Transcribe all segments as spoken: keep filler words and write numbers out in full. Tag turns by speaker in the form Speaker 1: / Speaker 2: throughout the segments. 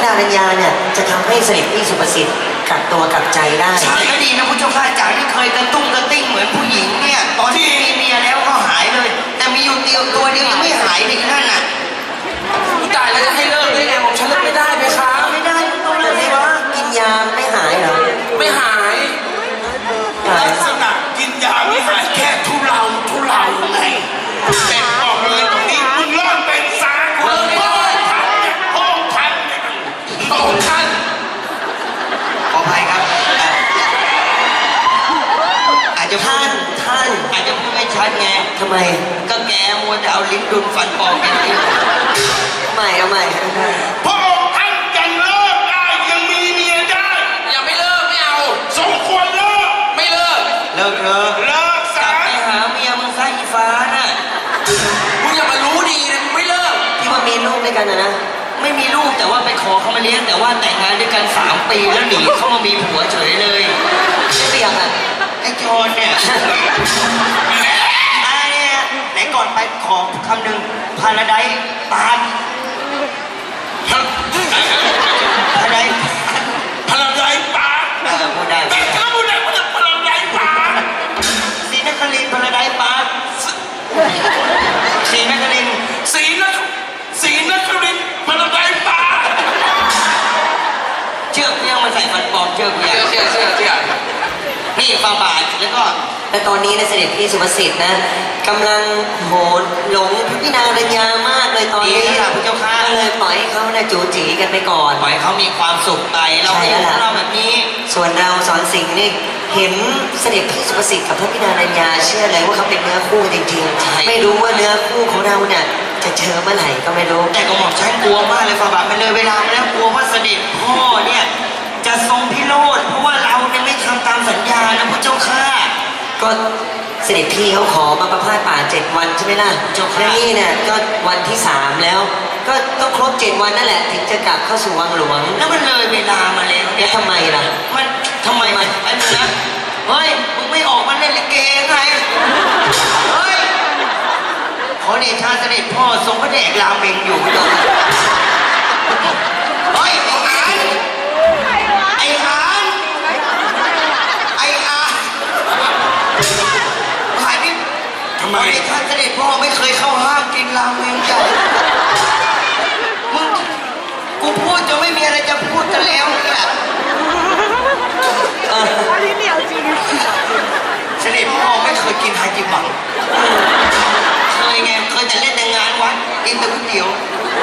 Speaker 1: พี่นางรัญญาเนี่ยจะทำให้เสด็จพี่สุภสิทธิ์กลับตัวกลับใจได้
Speaker 2: ใช่ก็ดีนะพุทธเจ้าข้าจากที่เคยกระตุ้งกระติ้งเหมือนผู้หญิงเนี่ยตอนที่มีเมียแล้วก็หายเลย แต่มีอยู่เดียวตัวเดียวยังไม่หายเลยนั่นน่ะ
Speaker 3: ตายแล้วจะให้เลิกได้ไงผมฉันเลิกไม่ได้ไหมคะ
Speaker 2: ไม่ได้ต้องเลิกสิวะ
Speaker 1: กินยาไม่หายเหรอ
Speaker 3: ไม่หาย
Speaker 1: หาย
Speaker 4: ลักษณะกินยาไม่หายแค่ทุเลาทุเลาไงแต่บอกเลยตรงนี้มึงรอดเป็นสาเลิกไม่ได้ห้องทันเนี่ยห้องทัน
Speaker 2: ขออภัยครับอ่ะอาจจะพู
Speaker 1: ท่า
Speaker 2: ด
Speaker 1: นท่าน
Speaker 2: อาจจะพูดไม่ชัดไง
Speaker 1: ทำไม
Speaker 2: ก็แกมัวแต่เอาลิ้นดุนฟันปลอมกันอยู่
Speaker 1: ใหม่เอาใหม่
Speaker 4: พระองค์ท่านยังเลิกได้ยังมีเมียได้
Speaker 3: ยังไม่เลิกไม่เอา
Speaker 4: สมควรเลิก
Speaker 3: ไม่เลิก
Speaker 2: เลิกเถอะ
Speaker 4: เลิก
Speaker 2: กลั
Speaker 4: ซะ
Speaker 2: บไปหาเมียมึงซะอีฟ้าน่ะ
Speaker 3: มึงอย่ามารู้ดีนะมึงไม่เลิก
Speaker 1: ที่ว่ามีลูกด้วยกันนะนะ
Speaker 2: ไม่มีลูกแต่ว่าไปขอเขามาเลี้ยงแต่ว่าแต่งงานด้วยกันสามปีแล้วหนีเข้ามามีผัวเฉยเลย
Speaker 1: ไม่เปียกอ่ะ
Speaker 2: ไอ้โจรเนี่ยอ่าเนี่ยไหนก่อนไปขอคำหนึ่งพาราไดปาร์ตพาราได
Speaker 4: พลังไรปา
Speaker 2: เออพูดได้
Speaker 4: แต่ถ้าพูดได้มันจะพลังไรปา
Speaker 2: ศรีนครินทร์พาราไดปาร์ตศรีนครินทร์
Speaker 4: สีนคสีนครินทร์พลังไรปา
Speaker 2: เชือกเพียงมาใส่ฟันปลอมเชือกเพียง
Speaker 3: เชื่อเชื่อเชื่อ
Speaker 2: นี่ฟาบาทแล้วก็
Speaker 1: แต่ตอนนี้นะเสด็จพี่สุภสิทธิ์นะกำลังโหดหลงพี่นางรัญญามากเลยตอน
Speaker 2: ดี
Speaker 1: นี้
Speaker 2: แล้วล่ะพระเจ้าค่ะ
Speaker 1: ก็เลยปล่อยให้เขานะจูจีกันไปก่อน
Speaker 2: ปล่อยเขามีความสุขไปเราเห็นของเราแบบนี้
Speaker 1: ส่วนเราสอนสิงห์นี่เห็นเสด็จพี่สุภสิทธิ์กับพระพี่นางรัญญาเชื่อเลยว่าเขาเป็นเนื้อคู่จริง
Speaker 2: ใช่
Speaker 1: ๆ ไม่รู้ว่าเนื้อคู่ของเราเนี่ยจะเจอเมื่อไหร่ก็ไม่รู้
Speaker 2: แต่ก็หมอกฉันกลัวมากเลยฟาบาทมันเลยเวลามาแล้วกลัวว่าเสด็จพ่อเนี่ยจะทรงพิโรธเพราะว่าเราเนี่ยไม่ทำตามสัญญานะพระเจ้าค่ะ
Speaker 1: ก็เสด็จพี่เขาขอมาประพาสป่าเจ็ดวันใช่ไหมล่ะ
Speaker 2: เจ้าค่ะ
Speaker 1: และนี่เนี่ยก็วันที่สามแล้ว ก็ต้องครบเจ็ดวันนั่นแหละถึงจะกลับเข้าสู่วังหลวง
Speaker 2: แล้วมันเลยเวลามาแล้ว
Speaker 1: แล้วทำไมล่ะ
Speaker 2: มันทำไมมันไอ้มึงนะเฮ้ยมึงไม่ออกมาเล่นลิเกไงเฮ้ยขอเดชะเสด็จพ่อทรงพระเดชราเมงอยู่พระเจ้าค่ะเฮ้ยไอ้หานไอ้หานหายนี่
Speaker 4: ทำไม
Speaker 2: ขอเดชะเสด็จพ่อไม่เคยเข้าห้ามกินราเมงจ้ะมึงกูพูดจะไม่มีอะไรจะพูดกันแล้วเนี่ย เสด็จพ่อไม่เคยกินไฮจิบังเคยไงเคยแต่เล่นในงานวัดกินแต่ก๋วยเตี๋ยว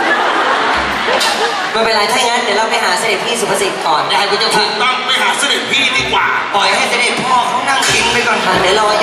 Speaker 1: ไม่เป็นไรถ้างั้นเดี๋ยวเราไปหาเสด็จพี่สุภสิทธิ์ก่อน
Speaker 2: ได้คุณเจ้าค่ะ
Speaker 4: ต้องไปหาเสด็จพี่ดีกว่า
Speaker 2: ปล่อยให้เสด็จพ่อเขานั่งกินไปก่อน
Speaker 1: ค่ะเดี๋ยวรอ